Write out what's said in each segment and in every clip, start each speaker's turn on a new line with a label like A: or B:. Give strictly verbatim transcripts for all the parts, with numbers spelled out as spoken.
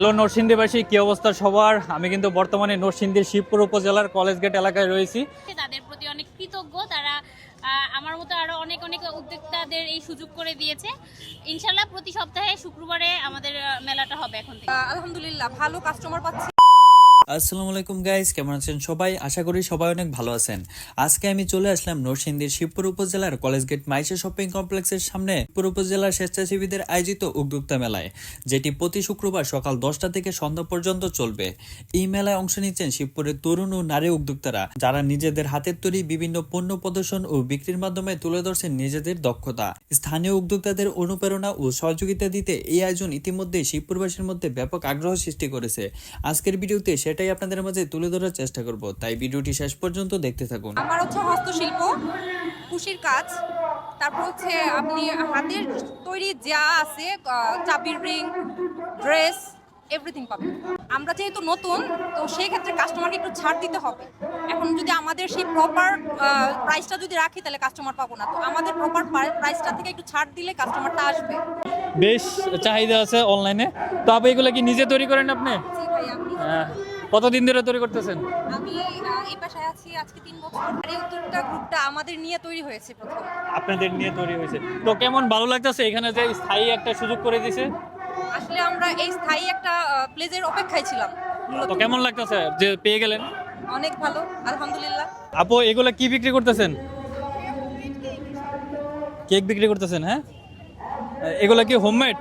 A: Hello নরসিংদীবাসী, কি অবস্থা সবার? আমি কিন্তু বর্তমানে নরসিংদীর শিবপুর উপজেলার কলেজ গেট এলাকায় রয়েছি।
B: তাদের প্রতি অনেক কৃতজ্ঞ। তারা আমার মতো আরো অনেক অনেক উদ্যোক্তাদের এই সুযোগ করে দিয়েছে। ইনশাল্লাহ প্রতি সপ্তাহে শুক্রবারে আমাদের মেলাটা হবে এখন থেকে।
C: আলহামদুলিল্লাহ ভালো কাস্টমার পাচ্ছি।
D: আসসালামু আলাইকুম গাইস, কেমন আছেন সবাই? আশা করি সবাই অনেক ভালো আছেন। আজকে আমি চলে আসলাম নরসিংদীর শিবপুর উপজেলার কলেজ গেট মাইশা শপিং কমপ্লেক্সের সামনে শিবপুর উপজেলার স্বেচ্ছাসেবীদের আয়োজিত উদ্যোক্তা মেলায়, যেটি প্রতি শুক্রবার সকাল দশটা থেকে সন্ধ্যা পর্যন্ত চলবে। এই মেলায় অংশ নিচ্ছেন শিবপুরের তরুণ ও নারী উদ্যোক্তারা, যারা নিজেদের হাতের তৈরি বিভিন্ন পণ্য প্রদর্শন ও বিক্রির মাধ্যমে তুলে ধরছেন নিজেদের দক্ষতা। স্থানীয় উদ্যোক্তাদের অনুপ্রেরণা ও সহযোগিতা দিতে এই আয়োজন ইতিমধ্যে শিবপুরবাসীর মধ্যে ব্যাপক আগ্রহ সৃষ্টি করেছে। আজকের ভিডিওতে সেটাই আপনাদের মাঝে তুলে ধরার চেষ্টা করব, তাই ভিডিওটি শেষ পর্যন্ত দেখতে থাকুন।
C: আমার হচ্ছে হস্তশিল্প, কুশির কাজ, তারপর হচ্ছে আপনি হাতের তৈরি যা আছে, চাবির রিং, ড্রেস, এভরিথিং পাবেন। আমরা যেহেতু নতুন, তো সেই ক্ষেত্রে কাস্টমারকে একটু ছাড় দিতে হবে। এখন যদি আমাদের সেই প্রপার প্রাইসটা যদি রাখি, তাহলে কাস্টমার পাবো না। তো আমাদের প্রপার প্রাইসটা থেকে একটু ছাড় দিলে কাস্টমারটা আসবে।
A: বেশ চাহিদা আছে অনলাইনে। তো আপনি এগুলো কি নিজে তৈরি করেন আপনি?
C: জি ভাই, আমি
A: হ্যাঁ। কতদিন ধরে তৈরি করতেছেন?
C: আমি এই পেশায় আছি আজকে তিন বছর। আর এই উদ্যোক্তা গ্রুপটা আমাদের নিয়ে তৈরি হয়েছে প্রথম।
A: আপনাদের নিয়ে তৈরি হয়েছে, তো কেমন ভালো লাগতেছে এখানে যে স্থায়ী একটা সুযোগ করে দিয়েছে?
C: আসলে আমরা এই স্থায়ী একটা প্লেজের অপেক্ষায় ছিলাম।
A: তো কেমন লাগতেছে যে পেয়ে গেলেন?
C: অনেক ভালো, আলহামদুলিল্লাহ।
A: আপু এগুলো কি বিক্রি করতেছেন? কেক বিক্রি করতেছেন? হ্যাঁ, এগুলা কি হোমমেড?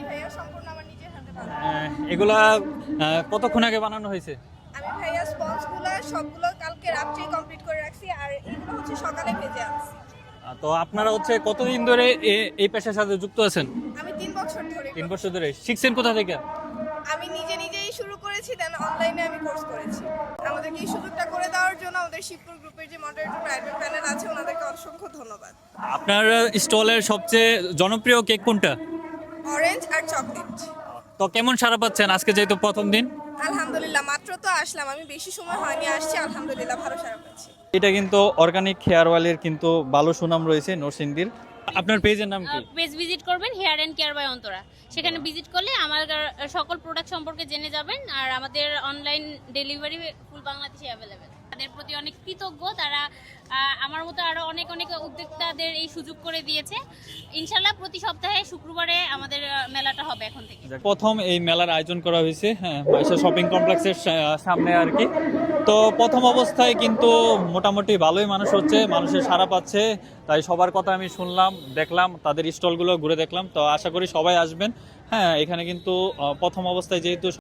A: এগুলা আহ, কতক্ষণ আগে বানানো হয়েছে?
E: আমি ভাইয়া স্পঞ্জগুলো সবগুলো কালকে রাত্রেই কমপ্লিট করে রাখছি, আর এগুলো হচ্ছে সকালে ভেজে আনছি।
A: আহ, তো আপনারা হচ্ছে কতদিন ধরে এ- এই পেশার সাথে যুক্ত আছেন?
E: আমি তিন বছর ধরে
A: তিন
E: করছি।
A: বছর ধরে শিখছেন কোথা থেকে?
E: আমি নিজে নিজেই শুরু করেছি, দেন অনলাইনে আমি কোর্স করেছি। আমাদেরকে এই সুযোগটা করে দেওয়ার জন্য আমাদের শিবপুর গ্রুপের যে মডারেটর প্রাইভেট প্যানেল আছে, ওনাদেরকে অসংখ্য ধন্যবাদ।
A: আপনার স্টলের সবচেয়ে জনপ্রিয় কেক কোনটা?
E: অরেঞ্জ আর চকলেট।
A: তো কেমন সাড়া পাচ্ছেন আজকে যেহেতু প্রথম দিন?
E: আলহামদুলিল্লাহ, মাত্র তো আসলাম, আমি বেশি সময় হয়নি আসছি, আলহামদুলিল্লাহ ভালো সারা পাচ্ছি।
A: এটা কিন্তু অর্গানিক হেয়ার অয়েলের কিন্তু ভালো সুনাম রয়েছে নরসিংদীর। আপনার পেজের নাম কি?
B: পেজ ভিজিট করবেন hair and care by Antara. সেখানে ভিজিট করলে আমার সকল প্রোডাক্ট সম্পর্কে জেনে যাবেন। আর আমাদের অনলাইন ডেলিভারি ফুল বাংলাদেশে অ্যাভেলেবেল। তাদের প্রতি অনেক কৃতজ্ঞ। তারা আমার মতো আরো অনেক অনেক উদ্যোক্তাদের এই সুযোগ করে দিয়েছে। ইনশাল্লাহ প্রতি সপ্তাহে শুক্রবারে আমাদের মেলাটা হবে এখন থেকে।
A: প্রথম এই মেলার আয়োজন করা হয়েছে, হ্যাঁ, মাইশা শপিং কমপ্লেক্সের সামনে আর কি। তো প্রথম অবস্থায় কিন্তু মোটামুটি ভালোই মানুষ হচ্ছে, মানুষের সাড়া পাচ্ছে। তাই সবার কথা আমি শুনলাম, দেখলাম, তাদের স্টলগুলো ঘুরে দেখলাম। তো আশা করি সবাই আসবেন। হ্যাঁ, এখানে কিন্তু প্রথম অবস্থায় যেহেতু